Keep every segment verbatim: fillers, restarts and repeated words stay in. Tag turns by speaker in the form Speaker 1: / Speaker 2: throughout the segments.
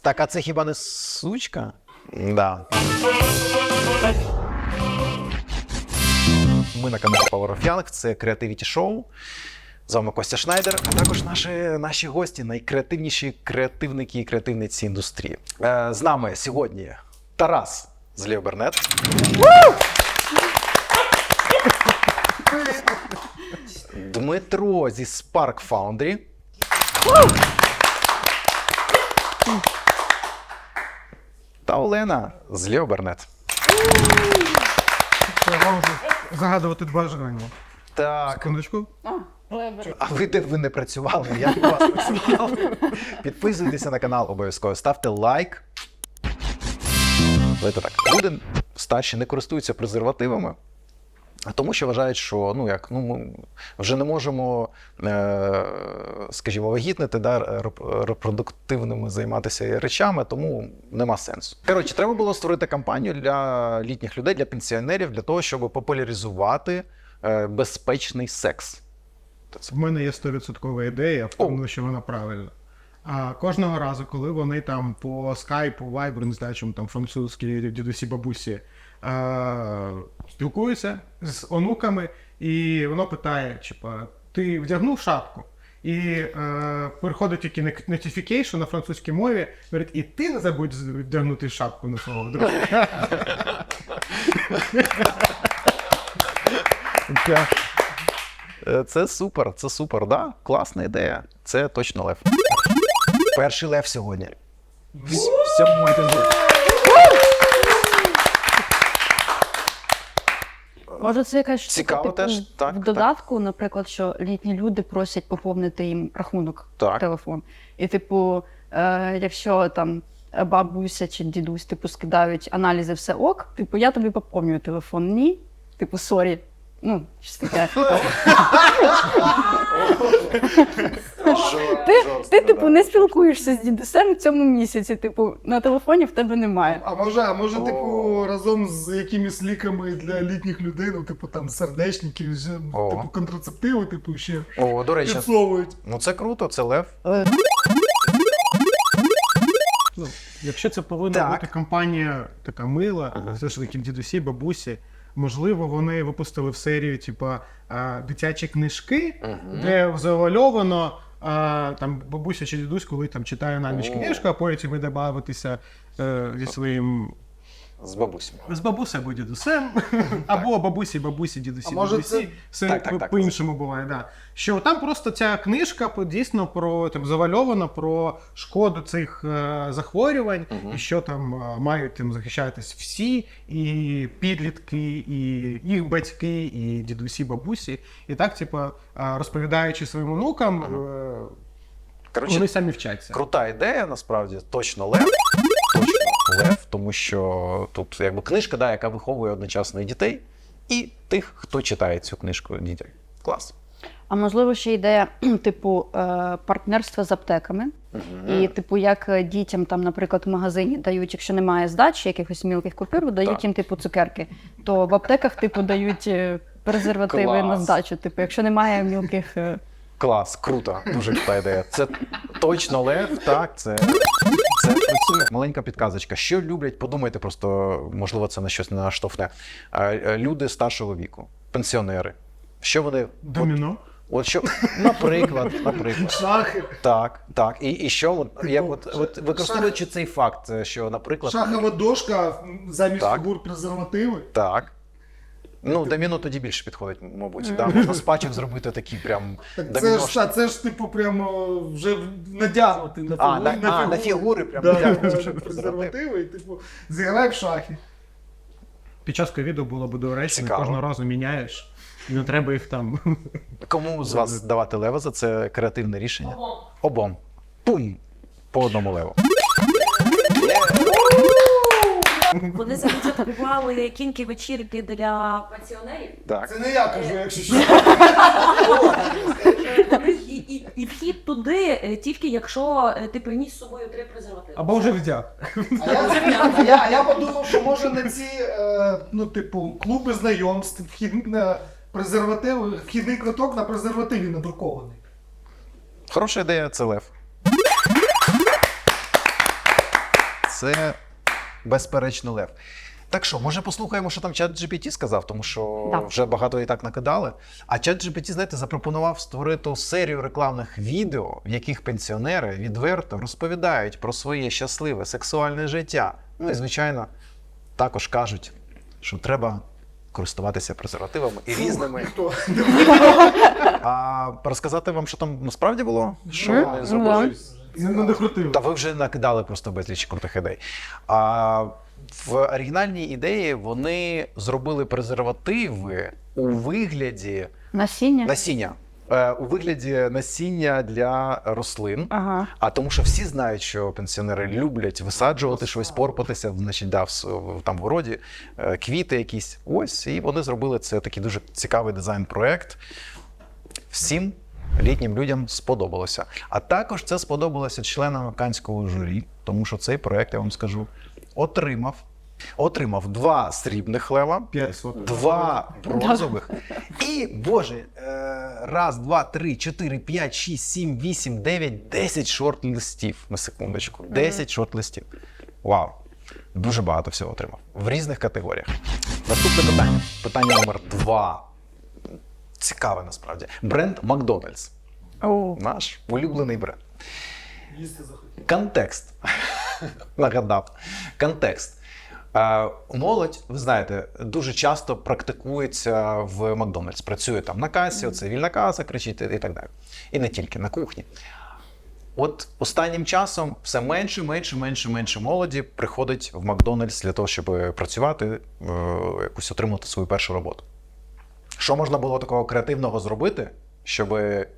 Speaker 1: Так, а це хіба не сучка? Да. Ми на каналі Power of Young, це Creativity Show. З вами Костя Шнайдер, а також наші, наші гості, найкреативніші креативники і креативниці індустрії. Е, з нами сьогодні Тарас з Леобернет. Дмитро зі Spark Foundry. Та Олена з Леобернет.
Speaker 2: Загадувати бажання.
Speaker 1: Так.
Speaker 2: Секундочку.
Speaker 1: А ви де ви не працювали? Як у вас працював? Підписуйтеся на канал обов'язково, ставте лайк. Давайте так. Люди старші не користуються презервативами, тому що вважають, що ну, як, ну, ми вже не можемо, е, скажімо, вагітнити, да, репродуктивними займатися речами, тому нема сенсу. Коротше, треба було створити кампанію для літніх людей, для пенсіонерів, для того, щоб популяризувати е, безпечний секс.
Speaker 2: В мене є сто відсоткова ідея, впевнений, що вона правильна. А кожного разу, коли вони там по скайпу, вайберу, не знаю, чому там французькі дідусі, бабусі, е- спілкуються з онуками, і воно питає, типа, ти вдягнув шапку? І е- приходить тільки notification на французькій мові, говорить, і ти не забудь вдягнути шапку на свого друга.
Speaker 1: Це супер, це супер, да? Класна ідея. Це точно лев. Перший лев сьогодні. Всьому
Speaker 3: Може, це якась
Speaker 1: цікаво
Speaker 3: штука,
Speaker 1: теж,
Speaker 3: типу,
Speaker 1: так,
Speaker 3: в додатку, так. Наприклад, що літні люди просять поповнити їм рахунок
Speaker 1: так.
Speaker 3: в телефон. І, типу, е, якщо там бабуся чи дідусь, типу, скидають аналізи, все ок, типу, я тобі поповнюю телефон. Ні, типу, сорі. Ну, щось таке. Ти, ти, типу, не спілкуєшся з дідусем в цьому місяці, типу, на телефоні в тебе немає.
Speaker 2: А може, а може, типу, разом з якимись ліками для літніх людей, ну, типу, там, сердечники, типу, контрацептиви, типу, ще
Speaker 1: О, до речі,
Speaker 2: підсовують.
Speaker 1: ну це круто, це лев.
Speaker 2: Ну, якщо це повинна
Speaker 1: Так.
Speaker 2: бути компанія така мила,
Speaker 1: Ага.
Speaker 2: все ж таки дідусі, бабусі, можливо, вони випустили в серію, типа, а, дитячі книжки,
Speaker 1: Ага.
Speaker 2: де завальовано а, там бабуся чи дідусь, коли там читає на ніч
Speaker 1: О.
Speaker 2: книжку, а потім ви добавитися е, зі своїм
Speaker 1: З бабусями.
Speaker 2: з бабусею або дідусем, або бабусі, бабусі, дідусі,
Speaker 4: А може
Speaker 2: дідусі.
Speaker 4: це-
Speaker 2: Все
Speaker 1: Так, так, так.
Speaker 2: по-іншому буває, да. Що там просто ця книжка по- дійсно про там завальована про шкоду цих е, захворювань,
Speaker 1: Мгм.
Speaker 2: і що там е, мають тим захищатись всі, і підлітки, і їх батьки, і дідусі, бабусі. І так, типа, е, розповідаючи своїм онукам, е,
Speaker 1: Коротше,
Speaker 2: вони самі вчаться.
Speaker 1: крута ідея, насправді, точно лев. Точно лев, тому що тут якби книжка, да, яка виховує одночасно і дітей, і тих, хто читає цю книжку дітям. Клас.
Speaker 3: А можливо, ще ідея, типу, е, партнерства з аптеками. І, типу, як дітям, там, наприклад, в магазині дають, якщо немає здачі, якихось мілких купюр, дають
Speaker 1: Так.
Speaker 3: їм, типу, цукерки. То в аптеках, типу, дають е, презервативи
Speaker 1: Клас.
Speaker 3: на здачу. Типу, якщо немає мілких... е,
Speaker 1: Клас, круто, дуже крута ідея. Це точно лев, так, це, це працює. Маленька підказочка. Що люблять, подумайте просто, можливо, це на щось не наштовхне. Е, Люди старшого віку, пенсіонери. Що вони...
Speaker 2: Доміно.
Speaker 1: От що, наприклад, наприклад.
Speaker 2: Шахи.
Speaker 1: Так, так. І, і що, от, як от, от використовуючи цей факт, що, наприклад,
Speaker 2: Шахова дошка, замість
Speaker 1: Так.
Speaker 2: фігур презервативи.
Speaker 1: так. Ну, доміно тоді більше підходить, мабуть. Да? Можна з пачок зробити такі прям
Speaker 4: Так
Speaker 1: доміно.
Speaker 4: це ж, та, це ж типу прямо вже надягнути на
Speaker 1: А,
Speaker 4: фігуру.
Speaker 1: на, а, на фігури прям
Speaker 4: Да,
Speaker 1: дякую,
Speaker 4: да,
Speaker 1: це
Speaker 4: да,
Speaker 1: вже презерватив.
Speaker 4: презервативи, і типу, зіграй в шахи.
Speaker 2: Під час ковіду було б доречно,
Speaker 1: Цікаво.
Speaker 2: кожного разу міняєш, і не треба їх там.
Speaker 1: Кому з вас давати лева за це креативне рішення? Обом. Обом. Пум! По одному леву.
Speaker 5: Вони запропонували кінки вечірки для пенсіонерів.
Speaker 1: Так.
Speaker 4: Це не я кажу, якщо що.
Speaker 5: І, і, і вхід туди е, тільки якщо е, ти приніс з собою три презервативи.
Speaker 2: Або вже вдяг.
Speaker 4: А я, а я, а я подумав, що може на ці, е, ну, типу, клуби знайомств, вхід на презервативи, вхідний квиток на презервативі надрукований.
Speaker 1: Хороша ідея, це лев. це безперечно лев. Так що, може послухаємо, що там чат джі пі ті сказав, тому що
Speaker 3: Да.
Speaker 1: вже багато і так накидали. А чат джі пі ті, знаєте, запропонував створити серію рекламних відео, в яких пенсіонери відверто розповідають про своє щасливе сексуальне життя. Ну і, звичайно, також кажуть, що треба користуватися презервативами і різними. А розказати вам, що там насправді було? Що
Speaker 3: Мгм.
Speaker 1: вони
Speaker 3: Ну,
Speaker 1: зробили?
Speaker 2: Не докрутив.
Speaker 1: Та ви вже накидали просто безліч крутих ідей. А в оригінальній ідеї вони зробили презервативи у вигляді
Speaker 3: Насіння?
Speaker 1: насіння. Е, У вигляді насіння для рослин.
Speaker 3: Ага.
Speaker 1: А тому, що всі знають, що пенсіонери люблять висаджувати щось, порпатися, значить, да, в, с- в- там в городі, е, квіти якісь. Ось, і вони зробили це такий дуже цікавий дизайн-проект. Всім літнім людям сподобалося. А також це сподобалося членам Канського журі, тому що цей проект, я вам скажу, отримав, отримав два срібних лева,
Speaker 2: П'ять сотень.
Speaker 1: два бронзових. І, боже, е, раз, два, три, чотири, п'ять, шість, сім, вісім, дев'ять, десять шорт-листів. На секундочку. десять шорт-листів. Вау. Дуже багато всього отримав. В різних категоріях. Наступне питання. Питання номер два. Цікаве насправді. Бренд Макдональдс.
Speaker 3: О.
Speaker 1: Наш улюблений бренд.
Speaker 4: Їсти захотів.
Speaker 1: Контекст. Нагадав. Контекст. Е, Молодь, ви знаєте, дуже часто практикується в Макдональдс. Працює там на касі, оце вільна каса, кричить і так далі. І не тільки на кухні. От останнім часом все менше, менше, менше, менше молоді приходить в Макдональдс для того, щоб працювати, е, якусь отримати свою першу роботу. Що можна було такого креативного зробити, щоб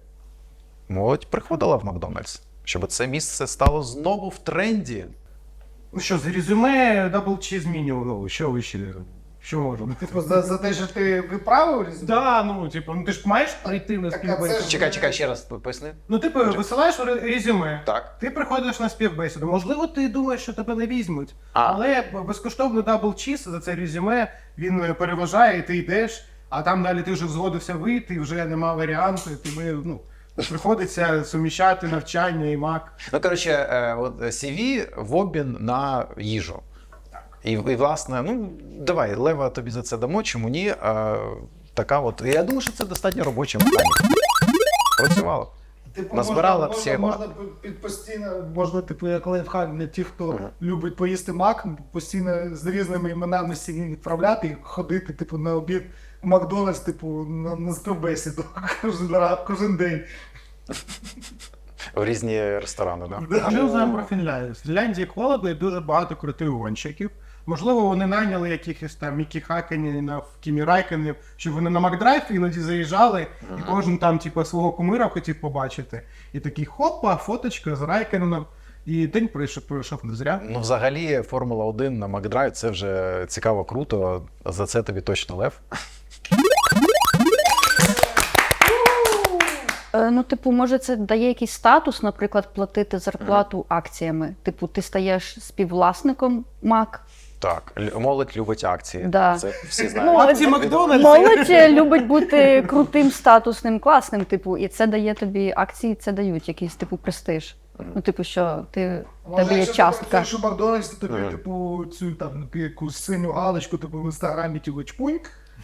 Speaker 1: молодь приходила в Макдональдс? Щоб це місце стало знову в тренді?
Speaker 2: Ну що, з резюме дабл чіз мінімум, що ви ще? Що можемо?
Speaker 4: Типу, за, за те, що ти виправив резюме?
Speaker 2: Да, ну, типу, ну ти ж маєш прийти на
Speaker 4: Так, а це
Speaker 2: співбесіду.
Speaker 4: ж-
Speaker 1: Чекай, чекай, ще раз поясни.
Speaker 2: Ну, типу, висилаєш ре- резюме.
Speaker 1: Так.
Speaker 2: Ти приходиш на співбесіду. Можливо, ти думаєш, що тебе не візьмуть.
Speaker 1: А.
Speaker 2: Але безкоштовний дабл чіз за це резюме, він е, переважає, і ти йдеш, а там далі ти вже згодився вийти, і вже нема варіанту, і тобі, ну, приходиться суміщати навчання і мак.
Speaker 1: Ну, коротше, е, от сі ві в обмін на їжу. І, і, власне, ну, давай, лева тобі за це дамо, чому ні? А, така от. Я думаю, що це достатньо робоча механіка. Працювало.
Speaker 4: Типу,
Speaker 1: Назбирала
Speaker 4: можна,
Speaker 1: всі
Speaker 4: можна,
Speaker 1: мак.
Speaker 4: можна під постійно, можна, типу, як лайфхак для тих, хто любить поїсти мак, постійно з різними іменами сі ві відправляти і ходити, типу, на обід в Макдональдс, типу, на, на співбесіду кожен, раз- кожен день.
Speaker 1: В різні ресторани, так? Да?
Speaker 2: Ми знаємо про Фінляндію. В Фінляндії холодно і дуже багато крутих гонщиків. Можливо, вони найняли якихось там Мікі Хакенів, Кімі Райкенів, щоб вони на Макдрайв іноді заїжджали, і кожен там, типу, свого кумира хотів побачити. І такий хопа, фоточка з Райкеном. І день пройшов, пройшов не зря.
Speaker 1: Ну, взагалі, Формула один на Макдрайв це вже цікаво, круто. За це тобі точно лев.
Speaker 3: Е, Ну, типу, може, це дає якийсь статус, наприклад, платити зарплату акціями. Типу, ти стаєш співвласником МАК.
Speaker 1: Так, лю- молодь любить акції.
Speaker 3: Да.
Speaker 1: Це всі знають.
Speaker 3: Ну,
Speaker 2: Акції Макдональдс.
Speaker 3: Молодь е, любить бути крутим, статусним, класним, типу, і це дає тобі акції, це дають якийсь типу престиж. Ну, типу, що ти в тебе є
Speaker 4: якщо ти
Speaker 3: частка.
Speaker 4: працюєш у Макдональдс, то тобі,
Speaker 1: Мгм.
Speaker 4: типу, цю там якусь синю галочку, типу, в інстаграмі типу, чпуньк.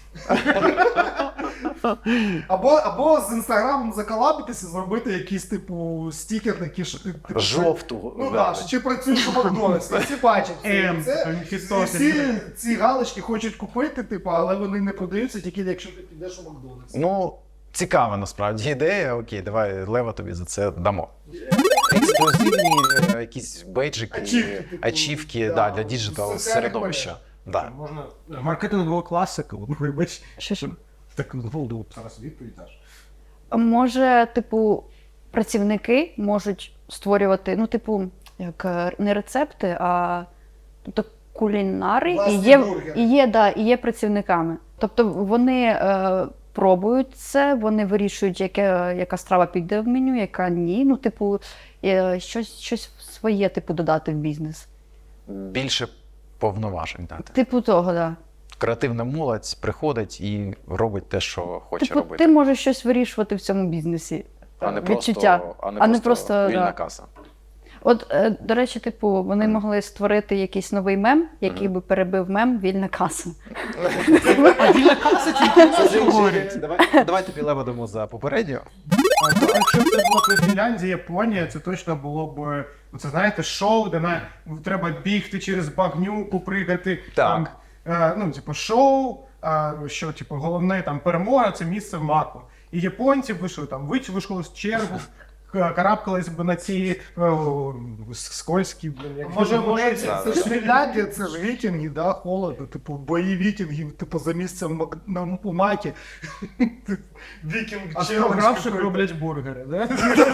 Speaker 4: Або, або з інстаграмом заколабитися, зробити якийсь, типу, стікер такий, що ти... типу,
Speaker 1: Жовту.
Speaker 4: Ну
Speaker 1: да.
Speaker 4: так, що чи працюєш у Макдональдсі, всі бачать це.
Speaker 2: Ем,
Speaker 4: це
Speaker 2: там
Speaker 4: і
Speaker 2: Христос.
Speaker 4: всі ці галочки хочуть купити, типу, але вони не продаються тільки якщо ти підеш у Макдональдс.
Speaker 1: Ну, цікава насправді ідея. Окей, давай, лева тобі за це дамо. Ексклюзивні е, якісь бейджики,
Speaker 4: Ачівки, типу,
Speaker 1: ачівки
Speaker 4: да,
Speaker 1: да, для діджитал
Speaker 4: соціальних
Speaker 1: середовища. Да.
Speaker 2: Можна маркетингового класика, вибач.
Speaker 3: Що ж?
Speaker 2: Так, ну, зараз відповідь даш.
Speaker 3: Може, типу, працівники можуть створювати, ну, типу, як е, не рецепти, а тобто кулінари і
Speaker 4: Власні
Speaker 3: є,
Speaker 4: бургери.
Speaker 3: і є, да, і є працівниками. Тобто вони е, пробують це, вони вирішують, яке, яка страва піде в меню, яка ні. Ну, типу, е, щось, щось своє, типу, додати в бізнес.
Speaker 1: Більше повноважень дати.
Speaker 3: Типу того, да.
Speaker 1: Креативна молодь приходить і робить те, що хоче
Speaker 3: Типу,
Speaker 1: робити.
Speaker 3: ти можеш щось вирішувати в цьому бізнесі.
Speaker 1: А не
Speaker 3: Відчуття.
Speaker 1: просто, а не
Speaker 3: а не
Speaker 1: просто
Speaker 3: просто,
Speaker 1: вільна
Speaker 3: да.
Speaker 1: каса.
Speaker 3: От, е, до речі, типу, вони могли створити якийсь новий мем, який би перебив мем «Вільна каса».
Speaker 2: А вільна каса тільки це говорить.
Speaker 1: Давай, давайте підлевадимо за попередню.
Speaker 2: А то, якщо б це було б Фінляндія, Японія, це точно було б, це знаєте, шоу, де на, треба бігти через багнюку, пригати. Там, е, ну, типу, шоу, е, що, типу, головне там перемога, це місце в маку. І японці вийшли там, вийшли з чергу, к- карабкались б на ці о, скользкі, блін, як
Speaker 4: Може,
Speaker 2: вони
Speaker 4: може,
Speaker 2: називаються.
Speaker 4: це ж Фінляндія, це ж вікінги, да, холодно, типу, бої вікінгів, типу, за місцем мак- на у макі. Вікінг
Speaker 2: А
Speaker 4: челендж
Speaker 2: програвши
Speaker 4: какой-то.
Speaker 2: роблять бургери, да?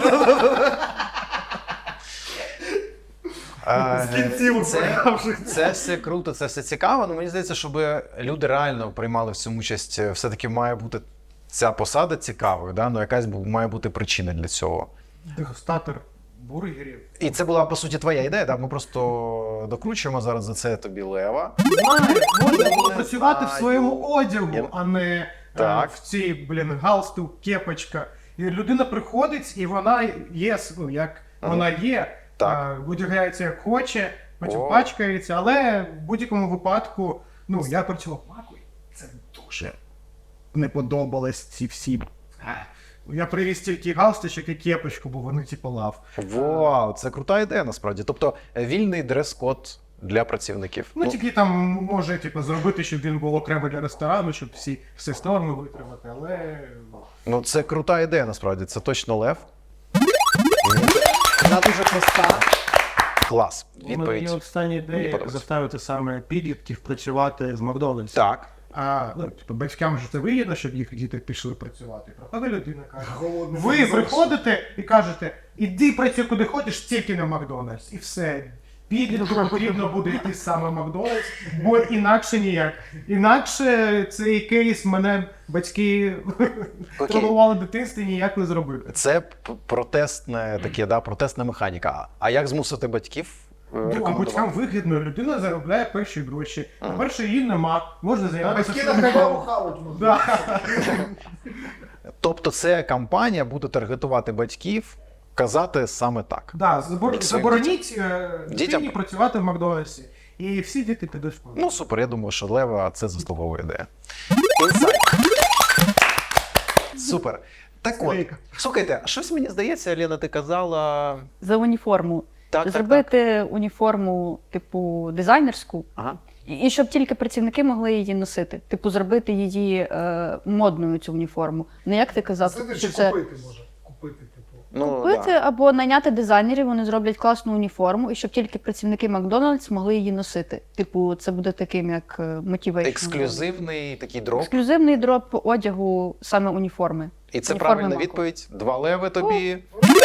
Speaker 1: Е,
Speaker 4: З кінців
Speaker 1: це,
Speaker 4: програвших.
Speaker 1: це все круто, це все цікаво, але мені здається, щоб люди реально приймали в цьому участь, все-таки має бути ця посада цікавою, да? Ну, якась бу- має бути причина для цього.
Speaker 2: Дегустатор бургерів.
Speaker 1: І це була, по суті, твоя ідея, да? Ми просто докручуємо зараз за це тобі лева.
Speaker 2: Знаю, можна було
Speaker 1: Не
Speaker 2: працювати в
Speaker 1: знаю.
Speaker 2: своєму одягу,
Speaker 1: Я-
Speaker 2: а не е,
Speaker 1: Так.
Speaker 2: в цій, блін, галстук, кепочка. І людина приходить, і вона є, ну, як
Speaker 1: Ага.
Speaker 2: вона є,
Speaker 1: Так.
Speaker 2: е, одягається як хоче, потім
Speaker 1: О.
Speaker 2: пачкається, але в будь-якому випадку, ну, я працював макою, це дуже не подобалось ці всі. Е, Я привіз тільки галстучок і кепочку, бо вони типу лав.
Speaker 1: Вау, це крута ідея насправді. Тобто е, вільний дрес-код для працівників.
Speaker 2: Ну, тільки там може типу, зробити, щоб він був окремо для ресторану, щоб всі все норми витримати, але.
Speaker 1: Ну, це крута ідея, насправді. Це точно лев.
Speaker 2: Вона дуже проста.
Speaker 1: Клас.
Speaker 2: У мене є
Speaker 1: Відповідь.
Speaker 2: остання
Speaker 1: Мені
Speaker 2: ідея
Speaker 1: подобається.
Speaker 2: заставити саме підлітків працювати з Макдональдс.
Speaker 1: Так.
Speaker 2: А ну, типу, батькам ж це вигідно, щоб їх діти пішли працювати. Проходить людина каже.
Speaker 4: Голодний
Speaker 2: Ви
Speaker 4: зайшов.
Speaker 2: приходите і кажете, іди працюй куди хочеш, тільки на Макдональдс. І все. Підлітку потрібно буде йти саме в Макдональдс, бо інакше ніяк. Інакше цей кейс мене батьки тренували в дитинстві ніяк не зробити.
Speaker 1: Це п- протестне таке, да, протестна механіка. А як змусити батьків е,
Speaker 2: Ну, а
Speaker 1: рекомендувати?
Speaker 2: батькам вигідно, людина заробляє перші гроші. По-перше, її нема, можна
Speaker 4: А
Speaker 2: займатися.
Speaker 4: батьки на
Speaker 2: своїм
Speaker 4: халяву
Speaker 2: ділом.
Speaker 4: хавать можуть.
Speaker 2: Да.
Speaker 1: Тобто це кампанія буде таргетувати батьків, казати саме так.
Speaker 2: Да, забор...
Speaker 1: Своїм
Speaker 2: забороніть е, дитині
Speaker 1: Дітям?
Speaker 2: працювати в Макдональдсі. І всі діти підуть в школу.
Speaker 1: Ну супер, я думаю, що лева це заслуговує ідея. Інсайт. Супер. Так от,
Speaker 2: Скрейка.
Speaker 1: слухайте, а щось мені здається, Лена, ти казала.
Speaker 3: За уніформу.
Speaker 1: Так, так,
Speaker 3: Зробити уніформу, типу, дизайнерську,
Speaker 1: Ага.
Speaker 3: і і щоб тільки працівники могли її носити. Типу, зробити її е, модною, цю уніформу. Не як ти казав,
Speaker 4: Це
Speaker 3: що
Speaker 4: чи
Speaker 3: це
Speaker 4: купити може. Купити, типу.
Speaker 1: Ну,
Speaker 3: купити
Speaker 1: да.
Speaker 3: або найняти дизайнерів, вони зроблять класну уніформу, і щоб тільки працівники Макдональдс могли її носити. Типу, це буде таким як мотивейшн.
Speaker 1: Ексклюзивний такий дроп.
Speaker 3: Ексклюзивний дроп одягу саме уніформи.
Speaker 1: І це
Speaker 3: Уніформи
Speaker 1: правильна
Speaker 3: Маку.
Speaker 1: відповідь. Два леви тобі.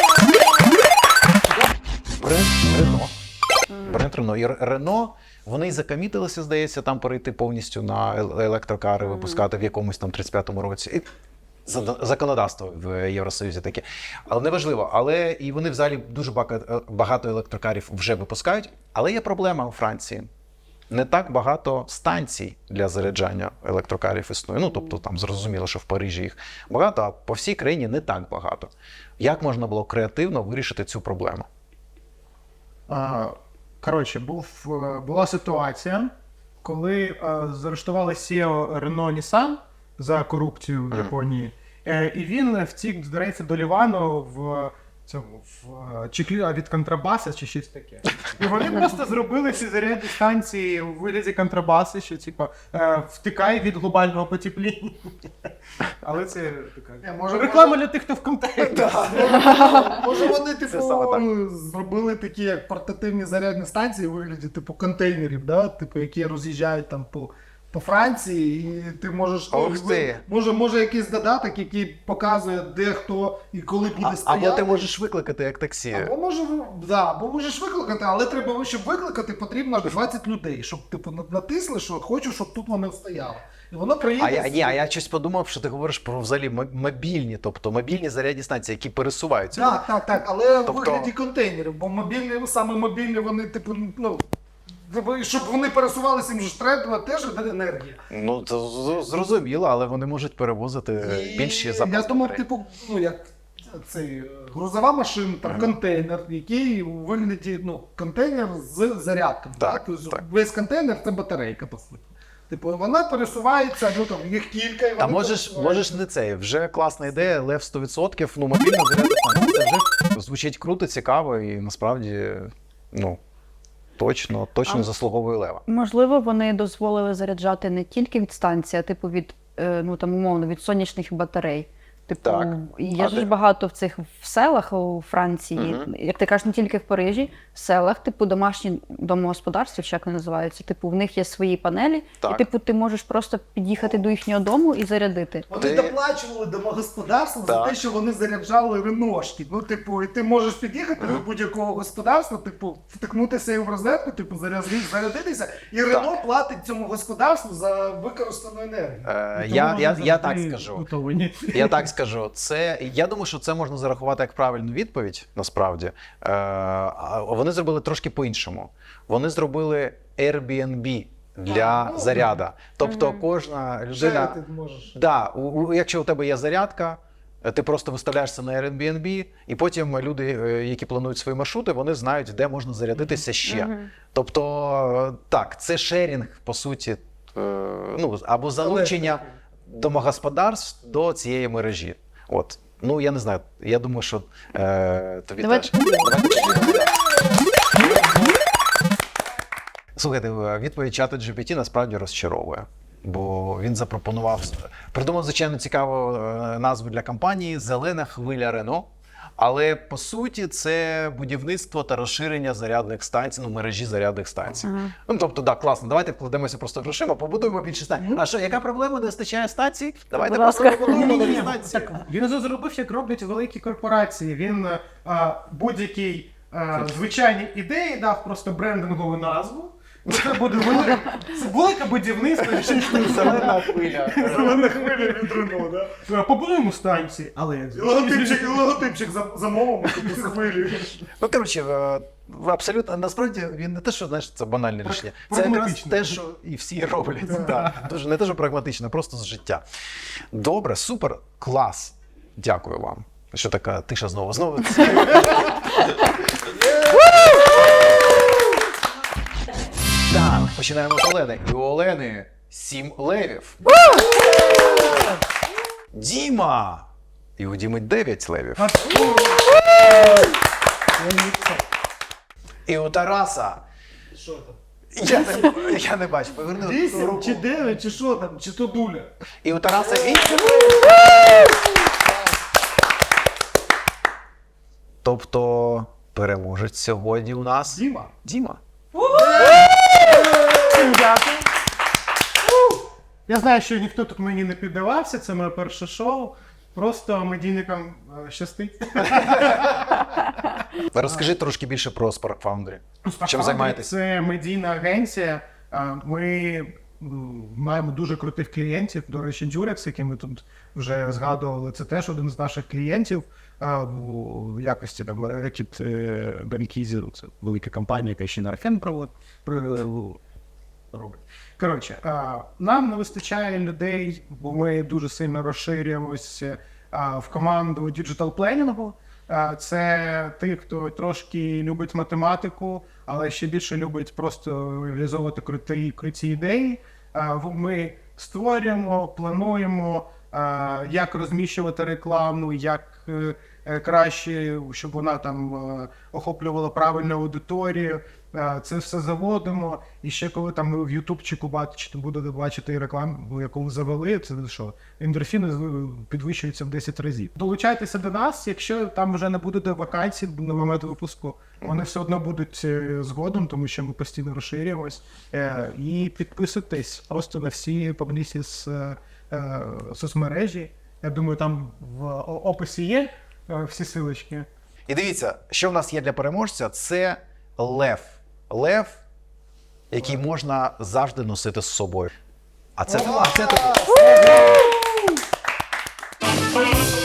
Speaker 1: Бренд Рено. Бренд Рено. І Рено, вони й закамітилися, здається, там перейти повністю на ел- електрокари, випускати в якомусь там тридцять п'ятому році. І за- законодавство в Євросоюзі таке. Але неважливо. Але і вони взагалі дуже багато, багато електрокарів вже випускають. Але є проблема у Франції. Не так багато станцій для заряджання електрокарів існує. Ну, тобто там зрозуміло, що в Парижі їх багато, а по всій країні не так багато. Як можна було креативно вирішити цю проблему?
Speaker 2: А, коротше, був, е, була ситуація, коли е, заарештували сі і о Renault Nissan за корупцію в Японії. Е, і він втік, здається, до Лівану в цьому в е, чехлі від контрабаса чи щось таке. І вони просто зробили ці зарядні станції у вигляді контрабаси, що типу е, втікає від глобального потепління. Але це така
Speaker 4: Ні, може,
Speaker 2: реклама для тих, хто в контексті.
Speaker 4: Може вони, типу,
Speaker 1: саме так.
Speaker 4: зробили такі як портативні зарядні станції у вигляді, типу, контейнерів, да? Типу, які роз'їжджають там по, по Франції, і ти можеш.
Speaker 1: Ох
Speaker 4: ну,
Speaker 1: ти.
Speaker 4: Може, може якийсь додаток, який показує, де хто і коли буде
Speaker 1: А,
Speaker 4: стояти.
Speaker 1: або ти можеш викликати як таксі.
Speaker 4: Або, може, да, або можеш викликати, але треба, щоб викликати, потрібно двадцять людей, щоб типу на- натисли, що хочу, щоб тут вони стояли. І воно приїде.
Speaker 1: А я, ні, а я щось подумав, що ти говориш про взагалі м- мобільні, тобто мобільні зарядні станції, які пересуваються.
Speaker 4: Так, так, так, але в
Speaker 1: Тобто-
Speaker 4: вигляді контейнерів, бо мобільні, саме мобільні, вони, типу, ну. типу, щоб вони пересувалися, їм ж треба теж енергія.
Speaker 1: Ну, це з- зрозуміло, але вони можуть перевозити
Speaker 4: І
Speaker 1: більші запаси.
Speaker 4: Я думав,
Speaker 1: батарей.
Speaker 4: типу, ну як цей е, грузова машина, там контейнер, який у вигляді, ну, контейнер з зарядкою.
Speaker 1: Так,
Speaker 4: Тобто
Speaker 1: так.
Speaker 4: Весь контейнер це батарейка, по суті. Типу, вона пересувається, ну там їх кілька, і
Speaker 1: Та
Speaker 4: вони
Speaker 1: можеш,
Speaker 4: пересуваються.
Speaker 1: можеш не це. Вже класна ідея, лев сто відсотків, ну мобільна зарядна станція. Це вже звучить круто, цікаво і насправді, ну, точно, точно
Speaker 3: А-
Speaker 1: заслуговує лева.
Speaker 3: Можливо, вони дозволили заряджати не тільки від станції, а типу від, е, ну там умовно, від сонячних батарей. Типу,
Speaker 1: Так.
Speaker 3: є
Speaker 1: А
Speaker 3: ж
Speaker 1: ти-
Speaker 3: багато в цих в селах у Франції,
Speaker 1: Мгм.
Speaker 3: як ти кажеш, не тільки в Парижі, в селах, типу, домашні домогосподарства, чи як вони називаються, типу, в них є свої панелі,
Speaker 1: Так.
Speaker 3: і типу ти можеш просто під'їхати до їхнього дому і зарядити.
Speaker 4: Вони
Speaker 1: Ти-
Speaker 4: доплачували домогосподарствам за
Speaker 1: Так.
Speaker 4: те, що вони заряджали реношки. Ну, типу, і ти можеш під'їхати до будь-якого господарства, типу, втикнутися в розетку, типу, заряди- зарядитися, і Рено платить цьому господарству за використану енергію.
Speaker 1: Е, я, я, я так скажу.
Speaker 2: Готові.
Speaker 1: Я так скажу. Це, я думаю, що це можна зарахувати як правильну відповідь, насправді. Е, а вони зробили трошки по-іншому. Вони зробили Airbnb для
Speaker 4: А, ну,
Speaker 1: заряда. Тобто
Speaker 3: Мгм.
Speaker 1: кожна людина...
Speaker 4: Вже ти можеш.
Speaker 1: Да, у, у- якщо у тебе є зарядка, е, ти просто виставляєшся на Airbnb, і потім люди, е, які планують свої маршрути, вони знають, де можна зарядитися ще.
Speaker 3: Мгм.
Speaker 1: Тобто, е, так, це шерінг, по суті, е, ну, або залучення домогосподарств до цієї мережі. От. Ну, я не знаю, я думаю, що е, тобі
Speaker 3: Давай-
Speaker 1: теж. Давайте подивимося. Слухайте, відповідь чату джі пі ті насправді розчаровує. Бо він запропонував, придумав, звичайно, цікаву е, назву для компанії «Зелена хвиля Рено». Але по суті це будівництво та розширення зарядних станцій, ну мережі зарядних станцій.
Speaker 3: Ага.
Speaker 1: Ну тобто, так, класно, давайте вкладемося просто грошима, побудуємо більше станцій. А що, яка проблема? Не вистачає станцій? Давайте
Speaker 3: Будь
Speaker 1: просто
Speaker 3: ласка.
Speaker 1: побудуємо нові
Speaker 2: Ні-ні-ні,
Speaker 1: станції.
Speaker 2: так, він це зробив, як роблять великі корпорації. Він а, будь-якій а, звичайній ідеї дав просто брендингову назву. Ну, Це буде велике, це велике будівництво.
Speaker 1: Зелена хвиля.
Speaker 4: Зелена хвиля від Рено, да?
Speaker 2: Побудуємо станції, але
Speaker 4: І логотипчик, і логотипчик за, замовимо, типу, з хвилею.
Speaker 1: Ну, коротше, е, абсолютно, насправді він не те, що знаєш, це банальне рішення. Це якраз
Speaker 2: прагматично.
Speaker 1: те, що і всі роблять. Да. Дуже не те, що прагматично, просто з життя. Добре, супер, клас. Дякую вам. Що така тиша знову? Знову. Так, починаємо з Олени. І у Олени сім левів. Діма! І у Діми дев'ять левів. І у Тараса.
Speaker 4: Що там?
Speaker 1: Я не, я не бачу. Поверни
Speaker 4: Вісім
Speaker 1: руку.
Speaker 4: чи дев'ять, чи що там, чи то дуля?
Speaker 1: І у Тараса вісім. Тобто переможець сьогодні у нас
Speaker 4: Діма.
Speaker 1: Діма.
Speaker 2: Дякую. Я знаю, що ніхто тут мені не піддавався, це моє перше шоу. Просто медійникам е, щастить.
Speaker 1: Розкажи трошки більше про Spark Foundry. Чим займаєтесь?
Speaker 2: Це медійна агенція. А, Ми м, маємо дуже крутих клієнтів. До речі, Durex, який ми тут вже згадували, це теж один з наших клієнтів. А, У якості там Рекіт Бенкізі, це велика компанія, яка ще на Арфен проводить. робить. Коротше, а, нам не вистачає людей, бо ми дуже сильно розширюємося а, в команду діджитал-пленінгу. А, Це ті, хто трошки любить математику, але ще більше любить просто реалізовувати круті, круті ідеї. А, в- Ми створюємо, плануємо, а, як розміщувати рекламу, як е, е, краще, щоб вона там е, охоплювала правильну аудиторію. Е, Це все заводимо. І ще коли там ви в ютубчику бачите, будете бачити рекламу, яку ви завели, це що? Ендорфіни з- підвищуються в десять разів. Долучайтеся до нас, якщо там вже не буде вакансій на момент випуску, вони все одно будуть е, згодом, тому що ми постійно розширюємось. Е, І підписуйтесь просто на всі паблісі з е, е, соцмережі. Я думаю, там в о- описі є е, всі силочки.
Speaker 1: І дивіться, що в нас є для переможця, це лев. Лев, який можна завжди носити з собою. А це, а це тобі.